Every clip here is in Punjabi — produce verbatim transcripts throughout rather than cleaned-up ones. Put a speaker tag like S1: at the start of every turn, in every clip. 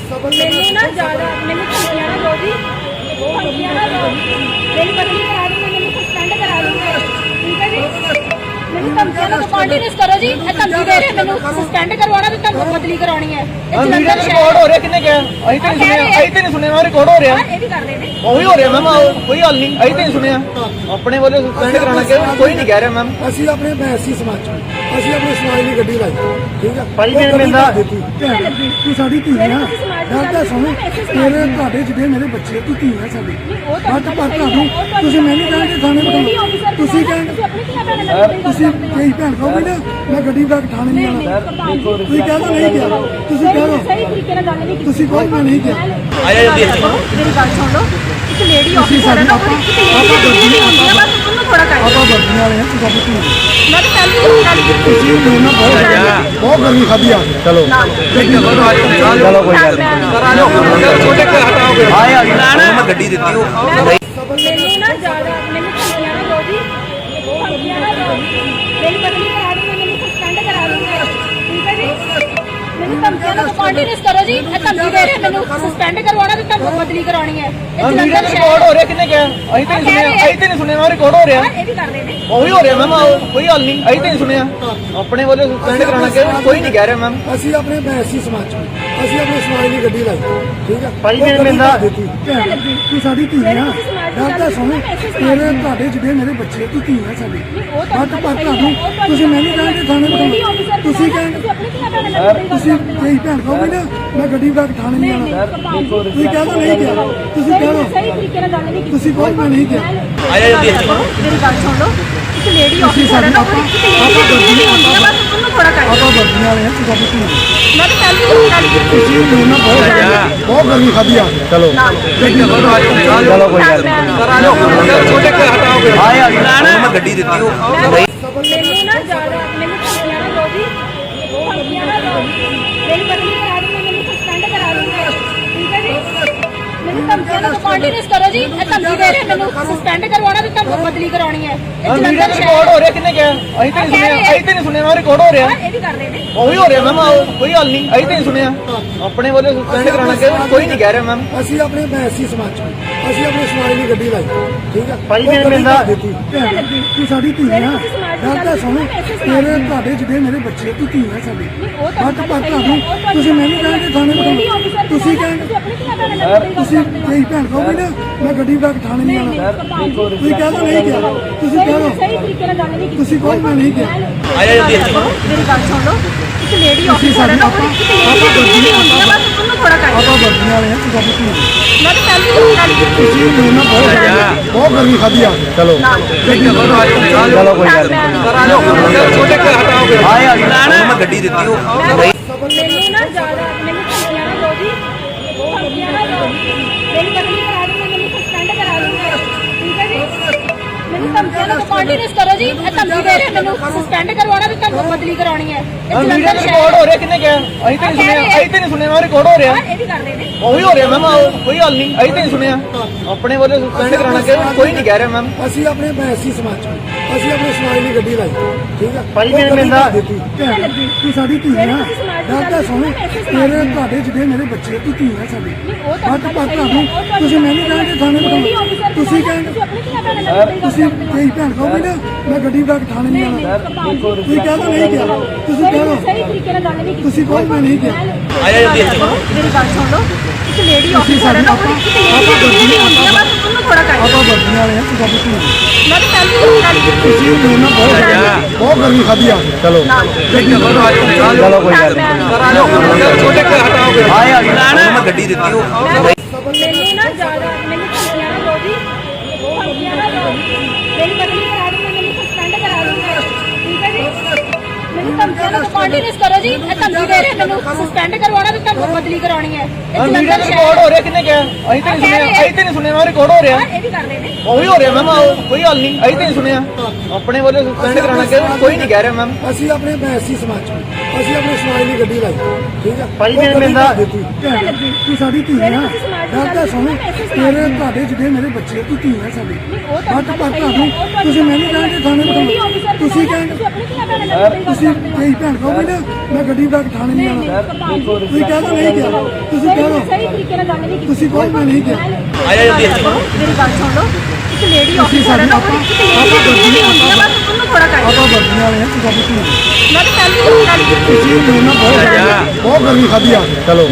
S1: ਮੈਨੂੰ ਨਾ ਜ਼ਿਆਦਾ ਮੈਨੂੰ ਧਮਕੀਆਂ ਨਾ ਦਿਓ ਜੀ, ਧਮਕੀਆਂ ਨਾ ਦਿਓ। ਮੇਰੀ ਬਦਲੀ ਕਰਾ ਦੂੰਗੇ, ਮੈਨੂੰ ਸਸਪੈਂਡ ਕਰਾ ਦੂੰਗੇ, ਠੀਕ ਹੈ ਜੀ। ਮੈਨੂੰ ਧਮਕੀਆਂ ਨਾ ਕੰਟੀਨਿਊਸ ਕਰੋ ਜੀ। ਇਹ ਧਮਕੀ ਦੇ ਰਹੇ ਮੈਨੂੰ ਸਸਪੈਂਡ ਕਰਵਾਉਣਾ ਤੇ ਤੁਹਾਨੂੰ ਬਦਲੀ ਕਰਾਉਣੀ ਹੈ। ਇਹ ਜਲੰਧਰ
S2: ਰਿਕਾਰਡ ਹੋ ਰਿਹਾ, ਕਿੰਨੇ ਕਿਹਾ? ਅਸੀਂ ਤਾਂ ਨਹੀਂ ਸੁਣਿਆ, ਅਸੀਂ ਤਾਂ ਨਹੀਂ ਸੁਣਿਆ, ਰਿਕਾਰਡ ਹੋ ਰਿਹਾ।
S1: ਇਹ ਵੀ ਕਰ ਰਹੇ ਨੇ,
S2: ਉਹੀ ਹੋ ਰਿਹਾ ਮੈਮ, ਕੋਈ ਹੱਲ ਨਹੀਂ। ਅਸੀਂ ਤਾਂ ਨਹੀਂ ਸੁਣਿਆ, ਆਪਣੇ ਵੱਲੋਂ ਸਸਪੈਂਡ ਕਰਾਉਣਾ ਕਿ ਕੋਈ ਨਹੀਂ ਕਹਿ ਰਿਹਾ ਮੈਮ।
S3: ਅਸੀਂ ਆਪਣੇ ਬੈਸੀ ਸਮਾਜ ਚੋਂ ਅਸੀਂ ਆਪਣੇ ਸਮਾਜ ਦੀ ਗੱਡੀ ਲਾਈ, ਠੀਕ ਹੈ
S2: ਭਾਈ ਮੇਰੇ ਮਿਲਦਾ
S3: ਤੂੰ ਸਾਡੀ ਧੀ ਆ, ਗੱਲ ਤਾਂ ਸੁਣ। ਤੇਰੇ ਤੁਹਾਡੇ ਜਿਹੜੇ ਮੇਰੇ ਬੱਚੇ ਤੂੰ ਧੀ ਆ ਸਾਡੀ, ਬਟ ਪਰ ਤੁਹਾਨੂੰ ਤੁਸੀਂ ਮੈਨੂੰ ਕਹਿੰਦੇ ਥਾਣੇ ਬਿਠਾਓ, ਤੁਸੀਂ ਕਹਿੰਦੇ ਤੁਸੀਂ ਕਈ ਭੈਣ ਕਹੋਗੇ ਨਾ ਮੈਂ ਗੱਡੀ ਬਣਾ ਕੇ ਥਾਣੇ ਨਹੀਂ ਆਉਣਾ, ਤੁਸੀਂ ਕਹਿੰਦਾ ਨਹੀਂ ਕਿਹਾ, ਤੁਸੀਂ ਕਹਿੰਦੇ
S1: ਸਹੀ ਤਰੀਕੇ ਨਾਲ ਗੱਲ ਨਹੀਂ ਕੀਤੀ।
S3: ਤੁਸੀਂ ਕਹੋ ਮੈਂ ਨਹੀਂ ਕਿਹਾ।
S2: ਆਇਆ ਜਲਦੀ
S1: ਮੇਰੀ ਗੱਲ ਸੁਣ ਲਓ, ਇੱਕ ਲੇਡੀ ਆਫੀਸਰ ਹੈ ਨਾ, ਉਹ ਇੱਕ ਲੇਡੀ ਦੀ ਹੁੰਦੀ ਹੈ, ਬਸ ਉਹਨੂੰ ਥੋੜਾ ਕਰ।
S3: ਆਪਾਂ ਵਰਦੀਆਂ ਵਾਲੇ ਹਾਂ, ਤੁਸੀਂ ਆਪਣੀ ਧੀ
S1: ਮੈਂ ਤਾਂ ਪਹਿਲੀ ਗੱਲ ਕੀਤੀ
S3: ਤੁਸੀਂ ਮੇਰੇ ਨਾਲ ਬਹੁਤ ਬਹੁਤ ਗਰਮੀ ਖਾਦੀ ਆ। ਚਲੋ
S2: ਚਲੋ ਕੋਈ ਗੱਲ ਨਹੀਂ, ਛੋਟੇ ਘਰ ਹਟਾਓਗੇ। ਆਇਆ ਮੈਂ ਗੱਡੀ ਦਿੱਤੀ ਉਹ
S1: ਮੈਨੂੰ ਨਾ ਜ਼ਿਆਦਾ ਮੈਨੂੰ ਧਮਕੀਆਂ ਨਾ ਦਿਓ ਜੀ, ਧਮਕੀਆਂ ਨਾ ਦਿਓ। ਮੇਰੀ ਬਦਲੀ ਕਰਾ ਦੂੰਗੇ, ਮੈਨੂੰ ਸਸਪੈਂਡ ਕਰਾ ਦੂੰਗੇ, ਠੀਕ ਹੈ ਜੀ। ਮੈਨੂੰ ਧਮਕੀਆਂ ਨਾ ਕੰਟੀਨਿਊਸ ਕਰੋ ਜੀ। ਇਹ ਧਮਕੀ ਦੇ ਰਹੇ ਮੈਨੂੰ ਸਸਪੈਂਡ ਕਰਵਾਉਣਾ ਤੇ ਤੁਹਾਨੂੰ ਬਦਲੀ ਕਰਾਉਣੀ ਹੈ। ਇਹ ਜਲੰਧਰ
S2: ਰਿਕਾਰਡ ਹੋ ਰਿਹਾ, ਕਿੰਨੇ ਕਿਹਾ? ਅਸੀਂ ਤਾਂ ਨਹੀਂ ਸੁਣਿਆ, ਅਸੀਂ ਤਾਂ ਨਹੀਂ ਸੁਣਿਆ, ਰਿਕਾਰਡ ਹੋ ਰਿਹਾ।
S1: ਇਹ ਵੀ ਕਰ ਰਹੇ ਨੇ,
S2: ਉਹੀ ਹੋ ਰਿਹਾ ਮੈਮ, ਕੋਈ ਹੱਲ ਨਹੀਂ। ਅਸੀਂ ਤਾਂ ਨਹੀਂ ਸੁਣਿਆ, ਆਪਣੇ ਵੱਲੋਂ ਸਸਪੈਂਡ ਕਰਾਉਣਾ ਕਿ ਕੋਈ ਨਹੀਂ ਕਹਿ ਰਿਹਾ ਮੈਮ।
S3: ਅਸੀਂ ਆਪਣੇ ਬੈਸੀ ਸਮਾਜ ਚੋਂ ਅਸੀਂ ਆਪਣੇ ਸਮਾਜ ਦੀ ਗੱਡੀ ਲਾਈ, ਠੀਕ ਹੈ
S2: ਭਾਈ ਮੇਰੇ ਮਿਲਦਾ
S3: ਤੂੰ ਸਾਡੀ ਧੀ ਆ, ਗੱਲ ਤਾਂ ਸੁਣ। ਤੇਰੇ ਤੁਹਾਡੇ ਜਿਹੜੇ ਮੇਰੇ ਬੱਚੇ ਤੂੰ ਧੀ ਆ ਸਾਡੀ, ਬਟ ਪਰ ਤੁਹਾਨੂੰ ਤੁਸੀਂ ਮੈਨੂੰ ਕਹਿੰਦੇ ਥਾਣੇ ਬਿਠਾਓ, ਤੁਸੀਂ ਕਹਿੰਦੇ ਤੁਸੀਂ ਕਈ ਭੈਣ ਕਹੋਗੇ ਨਾ ਮੈਂ ਗੱਡੀ ਬਣਾ ਕੇ ਥਾਣੇ ਨਹੀਂ ਆਉਣਾ, ਤੁਸੀਂ ਕਹਿੰਦਾ ਨਹੀਂ ਕਿਹਾ, ਤੁਸੀਂ ਕਹਿੰਦੇ
S1: ਸਹੀ ਤਰੀਕੇ ਨਾਲ ਗੱਲ ਨਹੀਂ ਕੀਤੀ।
S3: ਤੁਸੀਂ ਕਹੋ ਮੈਂ ਨਹੀਂ ਕਿਹਾ।
S2: ਆਇਆ ਜਲਦੀ
S1: ਮੇਰੀ ਗੱਲ ਸੁਣ ਲਓ, ਇੱਕ ਲੇਡੀ ਆਫੀਸਰ ਹੈ ਨਾ, ਉਹ ਇੱਕ ਲੇਡੀ ਦੀ ਹੁੰਦੀ ਹੈ, ਬਸ ਉਹਨੂੰ ਥੋੜਾ ਕਰ।
S3: ਆਪਾਂ ਵਰਦੀਆਂ ਵਾਲੇ ਹਾਂ, ਤੁਸੀਂ ਆਪਣੀ ਧੀ
S1: ਮੈਂ ਤਾਂ ਪਹਿਲੀ ਗੱਲ ਕੀਤੀ
S3: ਤੁਸੀਂ ਮੇਰੇ ਨਾਲ ਬਹੁਤ ਬਹੁਤ ਗਰਮੀ ਖਾਦੀ ਆ। ਚਲੋ
S2: ਚਲੋ ਕੋਈ ਗੱਲ ਨਹੀਂ, ਛੋਟੇ ਘਰ ਹਟਾਓਗੇ। ਆਇਆ ਮੈਂ ਗੱਡੀ ਦਿੱਤੀ ਉਹ
S1: ਮੈਨੂੰ ਨਾ ਜ਼ਿਆਦਾ ਮੈਨੂੰ ਧਮਕੀਆਂ ਨਾ ਦਿਓ ਜੀ, ਧਮਕੀਆਂ ਨਾ ਦਿਓ। ਮੇਰੀ ਬਦਲੀ ਕਰਾ ਦੂੰਗੇ, ਮੈਨੂੰ ਸਸਪੈਂਡ ਕਰਾ ਦੂੰਗੇ, ਠੀਕ ਹੈ ਜੀ। ਮੈਨੂੰ ਧਮਕੀਆਂ ਨਾ ਕੰਟੀਨਿਊਸ ਕਰੋ ਜੀ। ਇਹ ਧਮਕੀ ਦੇ ਰਹੇ ਮੈਨੂੰ ਸਸਪੈਂਡ ਕਰਵਾਉਣਾ ਤੇ ਤੁਹਾਨੂੰ ਬਦਲੀ ਕਰਾਉਣੀ ਹੈ। ਇਹ ਜਲੰਧਰ
S2: ਰਿਕਾਰਡ ਹੋ ਰਿਹਾ, ਕਿੰਨੇ ਕਿਹਾ? ਅਸੀਂ ਤਾਂ ਨਹੀਂ ਸੁਣਿਆ, ਅਸੀਂ ਤਾਂ ਨਹੀਂ ਸੁਣਿਆ, ਰਿਕਾਰਡ ਹੋ ਰਿਹਾ।
S1: ਇਹ ਵੀ ਕਰ ਰਹੇ ਨੇ,
S2: ਉਹੀ ਹੋ ਰਿਹਾ ਮੈਮ, ਕੋਈ ਹੱਲ ਨਹੀਂ। ਅਸੀਂ ਤਾਂ ਨਹੀਂ ਸੁਣਿਆ, ਆਪਣੇ ਵੱਲੋਂ ਸਸਪੈਂਡ ਕਰਾਉਣਾ ਕਿ ਕੋਈ ਨਹੀਂ ਕਹਿ ਰਿਹਾ ਮੈਮ।
S3: ਅਸੀਂ ਆਪਣੇ ਬੈਸੀ ਸਮਾਜ ਚੋਂ ਅਸੀਂ ਆਪਣੇ ਸਮਾਜ ਦੀ ਗੱਡੀ ਲਾਈ, ਠੀਕ ਹੈ
S2: ਭਾਈ ਮੇਰੇ ਮਿਲਦਾ
S3: ਤੂੰ ਸਾਡੀ ਧੀ ਆ, ਗੱਲ ਤਾਂ ਸੁਣ। ਤੇਰੇ ਤੁਹਾਡੇ ਜਿਹੜੇ ਮੇਰੇ ਬੱਚੇ ਤੂੰ ਧੀ ਆ ਸਾਡੀ, ਬਟ ਪਰ ਤੁਹਾਨੂੰ ਤੁਸੀਂ ਮੈਨੂੰ ਕਹਿੰਦੇ ਥਾਣੇ ਬਿਠਾਓ, ਤੁਸੀਂ ਕਹਿੰਦੇ ਤੁਸੀਂ ਕਈ ਭੈਣ ਕਹੋਗੇ ਨਾ ਮੈਂ ਗੱਡੀ ਬਣਾ ਕੇ ਥਾਣੇ ਨਹੀਂ ਆਉਣਾ, ਤੁਸੀਂ ਕਹਿੰਦਾ ਨਹੀਂ ਕਿਹਾ, ਤੁਸੀਂ ਕਹਿੰਦੇ
S1: ਸਹੀ ਤਰੀਕੇ ਨਾਲ ਗੱਲ ਨਹੀਂ ਕੀਤੀ।
S3: ਤੁਸੀਂ ਕਹੋ ਮੈਂ ਨਹੀਂ ਕਿਹਾ।
S2: ਆਇਆ ਜਲਦੀ
S1: ਮੇਰੀ ਗੱਲ ਸੁਣ ਲਓ, ਇੱਕ ਲੇਡੀ ਆਫੀਸਰ ਹੈ ਨਾ, ਉਹ ਇੱਕ ਲੇਡੀ ਦੀ ਹੁੰਦੀ ਹੈ, ਬਸ ਉਹਨੂੰ ਥੋੜਾ ਕਰ।
S3: ਆਪਾਂ ਵਰਦੀਆਂ ਵਾਲੇ ਹਾਂ, ਤੁਸੀਂ ਆਪਣੀ ਧੀ
S1: ਮੈਂ ਤਾਂ ਪਹਿਲੀ ਗੱਲ ਕੀਤੀ
S3: ਤੁਸੀਂ ਮੇਰੇ ਨਾਲ ਬਹੁਤ ਬਹੁਤ ਗਰਮੀ ਖਾਦੀ ਆ। ਚਲੋ
S2: ਚਲੋ ਕੋਈ ਗੱਲ ਨਹੀਂ, ਛੋਟੇ ਘਰ ਹਟਾਓਗੇ। ਆਇਆ ਮੈਂ ਗੱਡੀ ਦਿੱਤੀ ਉਹ
S1: ਮੈਨੂੰ ਨਾ ਜ਼ਿਆਦਾ ਮੈਨੂੰ ਧਮਕੀਆਂ ਨਾ ਦਿਓ ਜੀ, ਧਮਕੀਆਂ ਨਾ ਦਿਓ। ਮੇਰੀ ਬਦਲੀ ਕਰਾ ਦੂੰਗੇ, ਮੈਨੂੰ ਸਸਪੈਂਡ ਕਰਾ ਦੂੰਗੇ, ਠੀਕ ਹੈ ਜੀ। ਮੈਨੂੰ ਧਮਕੀਆਂ ਨਾ ਕੰਟੀਨਿਊਸ ਕਰੋ ਜੀ। ਇਹ ਧਮਕੀ ਦੇ ਰਹੇ ਮੈਨੂੰ ਸਸਪੈਂਡ ਕਰਵਾਉਣਾ ਤੇ ਤੁਹਾਨੂੰ ਬਦਲੀ ਕਰਾਉਣੀ ਹੈ। ਇਹ ਜਲੰਧਰ
S2: ਰਿਕਾਰਡ ਹੋ ਰਿਹਾ, ਕਿੰਨੇ ਕਿਹਾ? ਅਸੀਂ ਤਾਂ ਨਹੀਂ ਸੁਣਿਆ, ਅਸੀਂ ਤਾਂ ਨਹੀਂ ਸੁਣਿਆ, ਰਿਕਾਰਡ ਹੋ ਰਿਹਾ।
S1: ਇਹ ਵੀ ਕਰ ਰਹੇ ਨੇ,
S2: ਉਹੀ ਹੋ ਰਿਹਾ ਮੈਮ, ਕੋਈ ਹੱਲ ਨਹੀਂ। ਅਸੀਂ ਤਾਂ ਨਹੀਂ ਸੁਣਿਆ, ਆਪਣੇ ਵੱਲੋਂ ਸਸਪੈਂਡ ਕਰਾਉਣਾ ਕਿ ਕੋਈ ਨਹੀਂ ਕਹਿ ਰਿਹਾ ਮੈਮ।
S3: ਅਸੀਂ ਆਪਣੇ ਬੈਸੀ ਸਮਾਜ ਚੋਂ ਅਸੀਂ ਆਪਣੇ ਸਮਾਜ ਦੀ ਗੱਡੀ ਲਾਈ, ਠੀਕ ਹੈ
S2: ਭਾਈ ਮੇਰੇ ਮਿਲਦਾ
S3: ਤੂੰ ਸਾਡੀ ਧੀ ਆ, ਗੱਲ ਤਾਂ ਸੁਣ। ਤੇਰੇ ਤੁਹਾਡੇ ਜਿਹੜੇ ਮੇਰੇ ਬੱਚੇ ਤੂੰ ਧੀ ਆ ਸਾਡੀ, ਬਟ ਪਰ ਤੁਹਾਨੂੰ ਤੁਸੀਂ ਮੈਨੂੰ ਕਹਿੰਦੇ ਥਾਣੇ ਬਿਠਾਓ, ਤੁਸੀਂ ਕਹਿੰਦੇ ਤੁਸੀਂ ਕਈ ਭੈਣ ਕਹੋਗੇ ਨਾ ਮੈਂ ਗੱਡੀ ਬਣਾ ਕੇ ਥਾਣੇ ਨਹੀਂ ਆਉਣਾ, ਤੁਸੀਂ ਕਹਿੰਦਾ ਨਹੀਂ ਕਿਹਾ, ਤੁਸੀਂ ਕਹਿੰਦੇ
S1: ਸਹੀ ਤਰੀਕੇ ਨਾਲ ਗੱਲ ਨਹੀਂ ਕੀਤੀ।
S3: ਤੁਸੀਂ ਕਹੋ ਮੈਂ ਨਹੀਂ ਕਿਹਾ।
S2: ਆਇਆ ਜਲਦੀ
S1: ਮੇਰੀ ਗੱਲ ਸੁਣ ਲਓ, ਇੱਕ ਲੇਡੀ ਆਫੀਸਰ ਹੈ ਨਾ, ਉਹ ਇੱਕ ਲੇਡੀ ਦੀ ਹੁੰਦੀ ਹੈ, ਬਸ ਉਹਨੂੰ ਥੋੜਾ ਕਰ।
S3: ਆਪਾਂ ਵਰਦੀਆਂ ਵਾਲੇ ਹਾਂ, ਤੁਸੀਂ ਆਪਣੀ ਧੀ
S1: ਮੈਂ ਤਾਂ ਪਹਿਲੀ ਗੱਲ ਕੀਤੀ
S3: ਤੁਸੀਂ ਮੇਰੇ ਨਾਲ ਬਹੁਤ ਬਹੁਤ ਗਰਮੀ ਖਾਦੀ ਆ। ਚਲੋ ਚਲੋ ਕੋਈ ਗੱਲ ਨਹੀਂ,
S2: ਛੋਟੇ ਘਰ ਹਟਾਓਗੇ। ਆਇਆ ਮੈਂ ਗੱਡੀ ਦਿੱਤੀ ਉਹ
S1: ਮੈਨੂੰ ਨਾ ਜ਼ਿਆਦਾ ਮੈਨੂੰ ਧਮਕੀਆਂ ਨਾ ਦਿਓ ਜੀ, ਧਮਕੀਆਂ ਨਾ ਦਿਓ। ਮੇਰੀ ਬਦਲੀ ਕਰਾ ਦੂੰਗੇ, ਮੈਨੂੰ ਸਸਪੈਂਡ ਕਰਾ ਦੂੰਗੇ, ਠੀਕ ਹੈ ਜੀ। ਮੈਨੂੰ ਧਮਕੀਆਂ ਨਾ ਕੰਟੀਨਿਊਸ ਕਰੋ ਜੀ। ਇਹ ਧਮਕੀ ਦੇ ਰਹੇ ਮੈਨੂੰ ਸਸਪੈਂਡ ਕਰਵਾਉਣਾ ਤੇ ਤੁਹਾਨੂੰ ਬਦਲੀ ਕਰਾਉਣੀ ਹੈ। ਇਹ ਜਲੰਧਰ
S2: ਰਿਕਾਰਡ ਹੋ ਰਿਹਾ, ਕਿੰਨੇ ਕਿਹਾ? ਅਸੀਂ ਤਾਂ ਨਹੀਂ ਸੁਣਿਆ, ਅਸੀਂ ਤਾਂ ਨਹੀਂ ਸੁਣਿਆ, ਰਿਕਾਰਡ ਹੋ ਰਿਹਾ।
S1: ਇਹ ਵੀ ਕਰ ਰਹੇ ਨੇ,
S2: ਉਹੀ ਹੋ ਰਿਹਾ ਮੈਮ, ਕੋਈ ਹੱਲ ਨਹੀਂ। ਅਸੀਂ ਤਾਂ ਨਹੀਂ ਸੁਣਿਆ, ਆਪਣੇ ਵੱਲੋਂ ਸਸਪੈਂਡ ਕਰਾਉਣਾ ਕਿ ਕੋਈ ਨਹੀਂ ਕਹਿ ਰਿਹਾ ਮੈਮ।
S3: ਅਸੀਂ ਆਪਣੇ ਬੈਸੀ ਸਮਾਜ ਚੋਂ ਅਸੀਂ ਆਪਣੇ ਸਮਾਜ ਦੀ ਗੱਡੀ ਲਾਈ, ਠੀਕ ਹੈ
S2: ਭਾਈ ਮੇਰੇ ਮਿਲਦਾ
S3: ਤੂੰ ਸਾਡੀ ਧੀ ਆ, ਗੱਲ ਤਾਂ ਸੁਣ। ਤੇਰੇ ਤੁਹਾਡੇ ਜਿਹੜੇ ਮੇਰੇ ਬੱਚੇ ਤੂੰ ਧੀ ਆ ਸਾਡੀ, ਬਟ ਪਰ ਤੁਹਾਨੂੰ ਤੁਸੀਂ ਮੈਨੂੰ ਕਹਿੰਦੇ ਥਾਣੇ ਬਿਠਾਓ, ਤੁਸੀਂ ਕਹਿੰਦੇ ਤੁਸੀਂ ਕਈ ਭੈਣ ਕਹੋਗੇ ਨਾ ਮੈਂ ਗੱਡੀ ਬੈਕ ਥਾਣੇ ਨਹੀਂ ਆਉਣਾ ਤੁਸੀਂ ਕਹਿ ਦੋ ਨਹੀਂ ਗਿਆ ਤੁਸੀਂ ਕਹਿ ਦੋ
S1: ਸਹੀ ਤਰੀਕੇ ਨਾਲ ਗੱਲ ਨਹੀਂ ਕੀਤੀ
S3: ਤੁਸੀਂ ਕਹੋ ਮੈਂ ਨਹੀਂ ਗਿਆ
S2: ਆਇਆ ਜਲਦੀ
S1: ਮੇਰੀ ਗੱਲ ਸੁਣ ਲਓ ਇੱਕ ਲੇਡੀ ਆਫੀਸਰ ਹੈ ਨਾ ਉਹ ਇੱਕ ਲੇਡੀ ਨਹੀਂ ਹੁੰਦੀ ਆ ਬਸ ਉਹਨੂੰ ਥੋੜਾ ਕਰ
S3: ਆਪਾਂ ਵਰਦੀਆਂ ਵਾਲੇ ਆ ਤੁਸੀਂ ਆਪਣੀ
S1: ਮੈਂ ਤਾਂ ਪਹਿਲੀ ਹੀ ਗੱਲ ਕੀਤੀ
S3: ਤੁਸੀਂ ਮੇਰੇ ਨਾਲ ਬਹੁਤ ਬਹੁਤ ਗਰਮੀ ਖਾਦੀ ਆ ਚਲੋ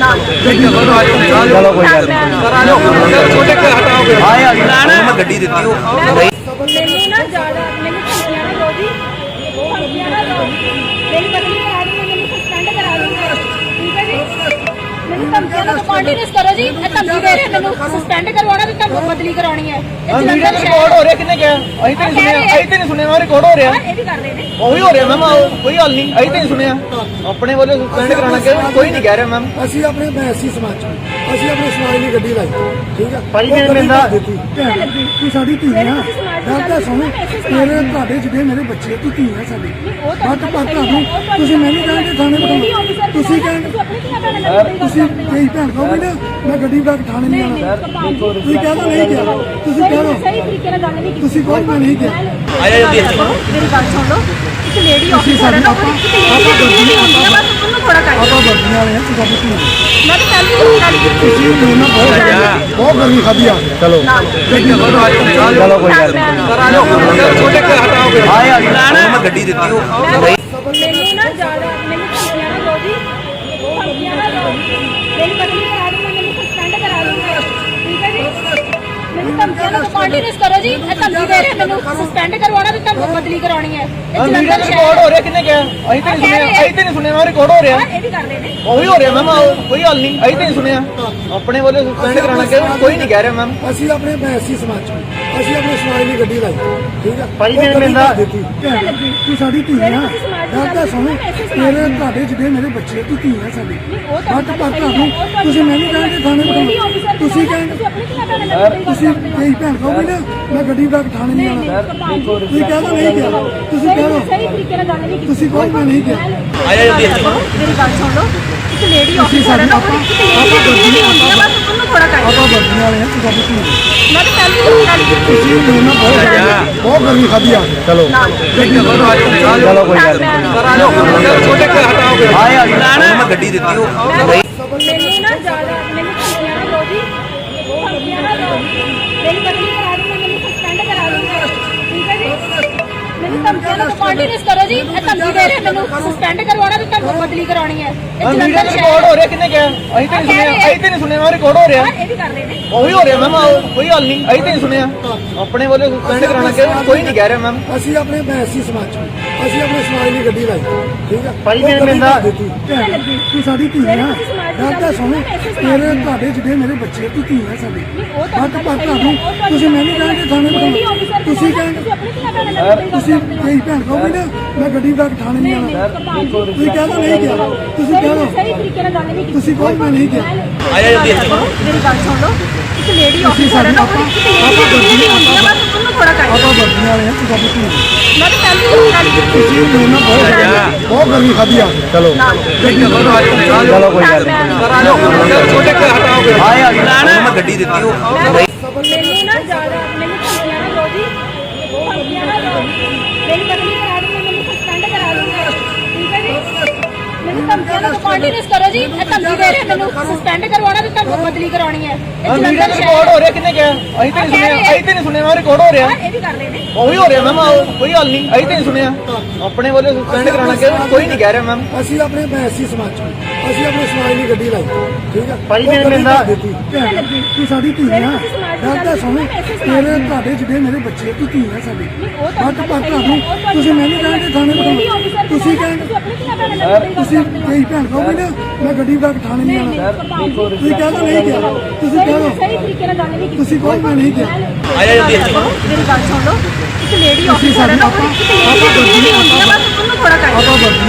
S2: ਚਲੋ ਕੋਈ ਗੱਲ ਨਹੀਂ ਸਰ ਆ ਜਾਓ ਛੋਟੇ ਕੇ ਹਟਾਓਗੇ ਆਇਆ ਮੈਂ ਗੱਡੀ ਦਿੱਤੀ ਉਹ
S1: ਮੈਨੂੰ ਨਾ ਜ਼ਿਆਦਾ ਮੈਨੂੰ ਧਮਕੀਆਂ ਨਾ ਦਿਓ ਜੀ ਧਮਕੀਆਂ ਨਾ ਦਿਓ ਮੇਰੀ ਬਦਲੀ ਕਰਾ ਦਿਓ ਮੈਨੂੰ ਸਸਪੈਂਡ ਕਰਾ ਦਿਓ ਠੀਕ ਹੈ ਜੀ ਮੈਨੂੰ ਧਮਕੀਆਂ ਨਾ ਕੰਟੀਨਿਊਸ ਕਰੋ ਜੀ ਇਹ ਧਮਕੀ ਦੇ ਰਹੇ ਮੈਨੂੰ ਸਸਪੈਂਡ ਕਰਵਾਉਣਾ ਤੇ ਤੁਹਾਨੂੰ ਬਦਲੀ ਕਰਾਉਣੀ ਹੈ ਇਹ ਜਲੰਧਰ ਸ਼ਹਿਰ
S2: ਰਿਕਾਰਡ ਹੋ ਰਿਹਾ ਕਿੰਨੇ ਕਿਹਾ ਅਸੀਂ ਤਾਂ ਨਹੀਂ ਸੁਣਿਆ ਅਸੀਂ ਤਾਂ ਨਹੀਂ ਸੁਣਿਆ ਮੈਂ ਰਿਕਾਰਡ ਹੋ ਰਿਹਾ
S1: ਇਹ ਵੀ ਕਰ ਰਹੇ ਨੇ
S2: ਉਹੀ ਹੋ ਰਿਹਾ ਮੈਮ ਕੋਈ ਗੱਲ ਨਹੀਂ ਅਸੀਂ ਤਾਂ ਨਹੀਂ ਸੁਣਿਆ ਆਪਣੇ ਵੱਲੋਂ ਸਸਪੈਂਡ ਕਰਾਉਣਾ ਕਿ ਕੋਈ ਨਹੀਂ ਕਹਿ ਰਿਹਾ ਮੈਮ
S3: ਅਸੀਂ ਆਪਣੇ ਬੈਸੀ ਸਮਾਜ ਚ ਅਸੀਂ ਆਪਣੇ ਸਮਾਜ ਦੀ ਗੱਡੀ ਲਾਈ ਠੀਕ ਹੈ
S2: ਭਾਈ
S3: ਉਹ
S2: ਮੇਰੇ
S3: ਗੱਡੀ
S2: ਮਿਲਦਾ-
S3: ਭਰ ਦਿੱਤੀ ਭੈਣ, ਤੂੰ ਸਾਡੀ ਧੀ ਆ ਗੱਲ ਤਾਂ ਸੁਣ ਤੇਰੇ ਤੁਹਾਡੇ ਜਿਹੜੇ ਮੇਰੇ ਬੱਚੇ ਤੂੰ ਧੀ ਆ ਸਾਡੀ ਬਟ ਪਰ ਤੁਹਾਨੂੰ ਤੁਸੀਂ ਮੈਨੂੰ ਕਹਿੰਦੇ ਥਾਣੇ ਬਿਠਾਓ ਤੁਸੀਂ ਕਹਿੰਦੇ
S1: ਆਪਣੀ ਧੀਆਂ ਭੈਣਾਂ ਨਾਲ ਬਦਲੀ
S3: ਤੁਸੀਂ ਕਈ ਭੈਣ ਕਹੋਗੇ ਨਾ ਮੈਂ ਗੱਡੀ ਬੈਕ ਥਾਣੇ ਨਹੀਂ ਆਉਣਾ ਤੁਸੀਂ ਕਹਿ ਦੋ ਨਹੀਂ ਗਿਆ ਤੁਸੀਂ ਕਹਿ ਦੋ
S1: ਸਹੀ ਤਰੀਕੇ ਨਾਲ ਗੱਲ ਨਹੀਂ ਕੀਤੀ
S3: ਤੁਸੀਂ ਕਹੋ ਮੈਂ ਨਹੀਂ ਗਿਆ
S2: ਆਇਆ ਜਲਦੀ
S1: ਮੇਰੀ ਗੱਲ ਸੁਣ ਲਓ ਇੱਕ ਲੇਡੀ ਆਫੀਸਰ ਹੈ ਨਾ ਉਹ ਇੱਕ ਲੇਡੀ ਨਹੀਂ ਹੁੰਦੀ ਆ ਬਸ ਉਹਨੂੰ ਥੋੜਾ ਕਰ
S3: ਆਪਾਂ ਵਰਦੀਆਂ ਵਾਲੇ ਆ ਤੁਸੀਂ ਆਪਣੀ
S1: ਮੈਂ ਤਾਂ ਪਹਿਲੀ ਹੀ ਗੱਲ ਕੀਤੀ
S3: ਤੁਸੀਂ ਮੇਰੇ ਨਾਲ ਬਹੁਤ ਬਹੁਤ ਗਰਮੀ ਖਾਦੀ ਆ ਚਲੋ
S2: ਚਲੋ ਕੋਈ ਗੱਲ ਨਹੀਂ ਸਰ ਆ ਜਾਓ ਛੋਟੇ ਕੇ ਹਟਾਓਗੇ ਆਇਆ ਮੈਂ ਗੱਡੀ ਦਿੱਤੀ ਉਹ
S1: ਮੈਨੂੰ ਨਾ ਜ਼ਿਆਦਾ ਮੈਨੂੰ ਧਮਕੀਆਂ ਨਾ ਦਿਓ ਜੀ ਧਮਕੀਆਂ ਨਾ ਦਿਓ ਮੇਰੀ ਬਦਲੀ ਕਰਾ ਦਿਓ ਮੈਨੂੰ ਸਸਪੈਂਡ ਕਰਾ ਦਿਓ ਠੀਕ ਹੈ ਜੀ ਮੈਨੂੰ ਧਮਕੀਆਂ ਨਾ ਕੰਟੀਨਿਊਸ ਕਰੋ ਜੀ ਇਹ ਧਮਕੀ ਦੇ ਰਹੇ ਮੈਨੂੰ ਸਸਪੈਂਡ ਕਰਵਾਉਣਾ ਤੇ ਤੁਹਾਨੂੰ ਬਦਲੀ ਕਰਾਉਣੀ ਹੈ ਇਹ ਜਲੰਧਰ
S2: ਰਿਕਾਰਡ
S1: ਸ਼ਹਿਰ
S2: ਹੋ ਰਿਹਾ ਕਿੰਨੇ ਕਿਹਾ ਅਸੀਂ ਤਾਂ ਨਹੀਂ ਸੁਣਿਆ ਅਸੀਂ ਤਾਂ ਨਹੀਂ ਸੁਣਿਆ ਮੈਂ ਰਿਕਾਰਡ ਹੋ ਰਿਹਾ
S1: ਇਹ ਵੀ ਕਰ ਰਹੇ ਨੇ
S2: ਉਹੀ ਹੋ ਰਿਹਾ ਮੈਮ ਕੋਈ ਗੱਲ ਨਹੀਂ ਅਸੀਂ ਤਾਂ ਨਹੀਂ ਸੁਣਿਆ ਆਪਣੇ ਵੱਲੋਂ ਸਸਪੈਂਡ ਕਰਾਉਣਾ ਕਿ ਕੋਈ ਨਹੀਂ ਕਹਿ ਰਿਹਾ ਮੈਮ
S3: ਅਸੀਂ ਆਪਣੇ ਬੈਸੀ ਸਮਾਜ ਚ ਅਸੀਂ ਆਪਣੇ ਸਮਾਜ ਦੀ ਗੱਡੀ ਲਾਈ ਠੀਕ ਹੈ
S2: ਭਾਈ
S3: ਉਹ
S2: ਮੇਰੇ
S3: ਗੱਡੀ
S2: ਮਿਲਦਾ-
S3: ਭਰ ਦਿੱਤੀ ਭੈਣ, ਤੂੰ ਸਾਡੀ ਧੀ ਆ ਗੱਲ ਤਾਂ ਸੁਣ ਤੇਰੇ ਤੁਹਾਡੇ ਜਿਹੜੇ ਮੇਰੇ ਬੱਚੇ ਤੂੰ ਧੀ ਆ ਸਾਡੀ ਬਟ ਪਰ ਤੁਹਾਨੂੰ ਤੁਸੀਂ ਮੈਨੂੰ ਕਹਿੰਦੇ ਥਾਣੇ ਬਿਠਾਓ ਤੁਸੀਂ ਕਹਿੰਦੇ
S1: ਆਪਣੀ ਧੀਆਂ ਭੈਣਾਂ ਨਾਲ ਬਦਲੀ
S3: ਤੁਸੀਂ ਕਈ ਭੈਣ ਕਹੋਗੇ ਨਾ ਮੈਂ ਗੱਡੀ ਬੈਕ ਥਾਣੇ ਨਹੀਂ ਆਉਣਾ ਤੁਸੀਂ ਕਹਿ ਦੋ ਨਹੀਂ ਗਿਆ ਤੁਸੀਂ ਕਹਿ ਦੋ
S1: ਸਹੀ ਤਰੀਕੇ ਨਾਲ ਗੱਲ ਨਹੀਂ ਕੀਤੀ
S3: ਤੁਸੀਂ ਕਹੋ ਮੈਂ ਨਹੀਂ ਗਿਆ
S2: ਆਇਆ ਜਲਦੀ
S1: ਮੇਰੀ ਗੱਲ ਸੁਣ ਲਓ ਇੱਕ ਲੇਡੀ ਆਫੀਸਰ ਹੈ ਨਾ ਉਹ ਇੱਕ ਲੇਡੀ ਨਹੀਂ ਹੁੰਦੀ ਆ ਬਸ ਉਹਨੂੰ ਥੋੜਾ ਕਰ
S3: ਆਪਾਂ ਵਰਦੀਆਂ ਵਾਲੇ ਆ ਤੁਸੀਂ ਆਪਣੀ
S1: ਮੈਂ ਤਾਂ ਪਹਿਲੀ ਹੀ ਗੱਲ ਕੀਤੀ
S3: ਤੁਸੀਂ ਮੇਰੇ ਨਾਲ ਬਹੁਤ ਬਹੁਤ ਗਰਮੀ ਖਾਦੀ ਆ ਚਲੋ
S2: ਚਲੋ ਕੋਈ ਗੱਲ ਨਹੀਂ ਸਰ ਆ ਜਾਓ ਛੋਟੇ ਕੇ ਹਟਾਓਗੇ ਆਇਆ ਮੈਂ ਗੱਡੀ ਦਿੱਤੀ ਉਹ
S1: ਮੈਨੂੰ ਨਾ ਜ਼ਿਆਦਾ ਮੈਨੂੰ ਧਮਕੀਆਂ ਨਾ ਦਿਓ ਜੀ ਧਮਕੀਆਂ ਨਾ ਦਿਓ ਮੇਰੀ ਬਦਲੀ ਕਰਾ ਦਿਓ ਮੈਨੂੰ ਸਸਪੈਂਡ ਕਰਾ ਦਿਓ ਠੀਕ ਹੈ ਜੀ ਮੈਨੂੰ ਧਮਕੀਆਂ ਨਾ ਕੰਟੀਨਿਊਸ ਕਰੋ ਜੀ ਇਹ ਧਮਕੀ ਦੇ ਰਹੇ ਮੈਨੂੰ ਸਸਪੈਂਡ ਕਰਵਾਉਣਾ ਤੇ ਤੁਹਾਨੂੰ ਬਦਲੀ ਕਰਾਉਣੀ ਹੈ ਇਹ ਜਲੰਧਰ ਸ਼ਹਿਰ
S2: ਰਿਕਾਰਡ ਹੋ ਰਿਹਾ ਕਿੰਨੇ ਕਿਹਾ ਅਸੀਂ ਤਾਂ ਨਹੀਂ ਸੁਣਿਆ ਅਸੀਂ ਤਾਂ ਨਹੀਂ ਸੁਣਿਆ ਮੈਂ ਰਿਕਾਰਡ ਹੋ ਰਿਹਾ
S1: ਇਹ ਵੀ ਕਰ ਰਹੇ ਨੇ
S2: ਉਹੀ ਹੋ ਰਿਹਾ ਮੈਮ ਕੋਈ ਗੱਲ ਨਹੀਂ ਅਸੀਂ ਤਾਂ ਨਹੀਂ ਸੁਣਿਆ ਆਪਣੇ ਵੱਲੋਂ ਸਸਪੈਂਡ ਕਰਾਉਣਾ ਕਿ ਕੋਈ ਨਹੀਂ ਕਹਿ ਰਿਹਾ ਮੈਮ
S3: ਅਸੀਂ ਆਪਣੇ ਬੈਸੀ ਸਮਾਜ ਚ ਅਸੀਂ ਆਪਣੇ ਸਮਾਜ ਦੀ ਗੱਡੀ ਲਾਈ ਠੀਕ ਹੈ
S2: ਭਾਈ
S3: ਉਹ
S2: ਮੇਰੇ
S3: ਗੱਡੀ
S2: ਮਿਲਦਾ-
S3: ਭਰ ਦਿੱਤੀ ਭੈਣ, ਤੂੰ ਸਾਡੀ ਧੀ ਆ ਗੱਲ ਤਾਂ ਸੁਣ ਤੇਰੇ ਤੁਹਾਡੇ ਜਿਹੜੇ ਮੇਰੇ ਬੱਚੇ ਤੂੰ ਧੀ ਆ ਸਾਡੀ ਬਟ ਪਰ ਤੁਹਾਨੂੰ ਤੁਸੀਂ ਮੈਨੂੰ ਕਹਿੰਦੇ ਥਾਣੇ ਬਿਠਾਓ ਤੁਸੀਂ ਕਹਿੰਦੇ
S1: ਆਪਣੀ ਧੀਆਂ ਭੈਣਾਂ ਨਾਲ ਬਦਲੀ
S3: ਤੁਸੀਂ ਕਈ ਭੈਣ ਕਹੋਗੇ ਨਾ ਮੈਂ ਗੱਡੀ ਬੈਕ ਥਾਣੇ ਨਹੀਂ ਆਉਣਾ ਤੁਸੀਂ ਕਹਿ ਦੋ ਨਹੀਂ ਗਿਆ ਤੁਸੀਂ ਕਹਿ ਦੋ
S1: ਸਹੀ ਤਰੀਕੇ ਨਾਲ ਗੱਲ ਨਹੀਂ ਕੀਤੀ
S3: ਤੁਸੀਂ ਕਹੋ ਮੈਂ ਨਹੀਂ ਗਿਆ
S2: ਆਇਆ ਜਲਦੀ
S1: ਮੇਰੀ ਗੱਲ ਸੁਣ ਲਓ ਇੱਕ ਲੇਡੀ ਆਫੀਸਰ ਹੈ ਨਾ ਉਹ ਇੱਕ ਲੇਡੀ ਨਹੀਂ ਹੁੰਦੀ ਆ ਬਸ ਉਹਨੂੰ ਥੋੜਾ ਕਰ
S3: ਆਪਾਂ ਵਰਦੀਆਂ ਵਾਲੇ ਆ ਤੁਸੀਂ ਆਪਣੀ
S1: ਮੈਂ ਤਾਂ ਪਹਿਲੀ ਹੀ ਗੱਲ ਕੀਤੀ
S3: ਤੁਸੀਂ ਮੇਰੇ ਨਾਲ ਬਹੁਤ ਬਹੁਤ ਗਰਮੀ ਖਾਦੀ ਆ ਚਲੋ
S2: ਚਲੋ ਕੋਈ ਗੱਲ ਨਹੀਂ ਸਰ ਆ ਜਾਓ ਛੋਟੇ ਕੇ ਹਟਾਓਗੇ ਆਇਆ ਮੈਂ ਗੱਡੀ ਦਿੱਤੀ ਉਹ
S1: ਮੈਨੂੰ ਨਾ ਜ਼ਿਆਦਾ ਮੈਨੂੰ ਧਮਕੀਆਂ ਨਾ ਦਿਓ ਜੀ ਧਮਕੀਆਂ ਨਾ ਦਿਓ ਮੇਰੀ ਬਦਲੀ ਕਰਾ ਦਿਓ ਮੈਨੂੰ ਸਸਪੈਂਡ ਕਰਾ ਦਿਓ ਠੀਕ ਹੈ ਜੀ ਮੈਨੂੰ ਧਮਕੀਆਂ ਨਾ ਕੰਟੀਨਿਊਸ ਕਰੋ ਜੀ ਇਹ ਧਮਕੀ ਦੇ ਰਹੇ ਮੈਨੂੰ ਸਸਪੈਂਡ ਕਰਵਾਉਣਾ ਤੇ ਤੁਹਾਨੂੰ ਬਦਲੀ ਕਰਾਉਣੀ ਹੈ ਇਹ ਜਲੰਧਰ
S2: ਰਿਕਾਰਡ
S1: ਸ਼ਹਿਰ
S2: ਹੋ ਰਿਹਾ ਕਿੰਨੇ ਕਿਹਾ ਅਸੀਂ ਤਾਂ ਨਹੀਂ ਸੁਣਿਆ ਅਸੀਂ ਤਾਂ ਨਹੀਂ ਸੁਣਿਆ ਮੈਂ ਰਿਕਾਰਡ ਹੋ ਰਿਹਾ
S1: ਇਹ ਵੀ ਕਰ ਰਹੇ ਨੇ
S2: ਉਹੀ ਹੋ ਰਿਹਾ ਮੈਮ ਕੋਈ ਗੱਲ ਨਹੀਂ ਅਸੀਂ ਤਾਂ ਨਹੀਂ ਸੁਣਿਆ ਆਪਣੇ ਵੱਲੋਂ ਸਸਪੈਂਡ ਕਰਾਉਣਾ ਕਿ ਕੋਈ ਨਹੀਂ ਕਹਿ ਰਿਹਾ ਮੈਮ
S3: ਅਸੀਂ ਆਪਣੇ ਬੈਸੀ ਸਮਾਜ ਚ ਅਸੀਂ ਆਪਣੇ ਸਮਾਜ ਦੀ ਗੱਡੀ ਲਾਈ ਠੀਕ ਹੈ
S2: ਭਾਈ
S3: ਉਹ
S2: ਮੇਰੇ
S3: ਗੱਡੀ
S2: ਮਿਲਦਾ-
S3: ਭਰ ਦਿੱਤੀ ਭੈਣ, ਤੂੰ ਸਾਡੀ ਧੀ ਆ ਗੱਲ ਤਾਂ ਸੁਣ ਤੇਰੇ ਤੁਹਾਡੇ ਜਿਹੜੇ ਮੇਰੇ ਬੱਚੇ ਤੂੰ ਧੀ ਆ ਸਾਡੀ ਬਟ ਪਰ ਤੁਹਾਨੂੰ ਤੁਸੀਂ ਮੈਨੂੰ ਕਹਿੰਦੇ ਥਾਣੇ ਬਿਠਾਓ ਤੁਸੀਂ ਕਹਿੰਦੇ
S1: ਆਪਣੀ ਧੀਆਂ ਭੈਣਾਂ ਨਾਲ ਬਦਲੀ
S3: ਤੁਸੀਂ ਕਈ ਭੈਣ ਕਹੋਗੇ ਨਾ ਮੈਂ ਗੱਡੀ ਬੈਕ ਥਾਣੇ ਨਹੀਂ ਆਉਣਾ ਤੁਸੀਂ ਕਹਿ ਦੋ ਨਹੀਂ ਗਿਆ ਤੁਸੀਂ ਕਹਿ ਦੋ
S1: ਸਹੀ ਤਰੀਕੇ ਨਾਲ ਗੱਲ ਨਹੀਂ ਕੀਤੀ
S3: ਤੁਸੀਂ ਕਹੋ ਮੈਂ ਨਹੀਂ ਗਿਆ
S2: ਆਇਆ ਜਲਦੀ
S1: ਮੇਰੀ ਗੱਲ ਸੁਣ ਲਓ ਇੱਕ ਲੇਡੀ ਆਫੀਸਰ ਹੈ ਨਾ ਉਹ ਇੱਕ ਲੇਡੀ ਨਹੀਂ ਹੁੰਦੀ ਆ ਬਸ ਉਹਨੂੰ ਥੋੜਾ ਕਰ
S3: ਆਪਾਂ ਵਰਦੀਆਂ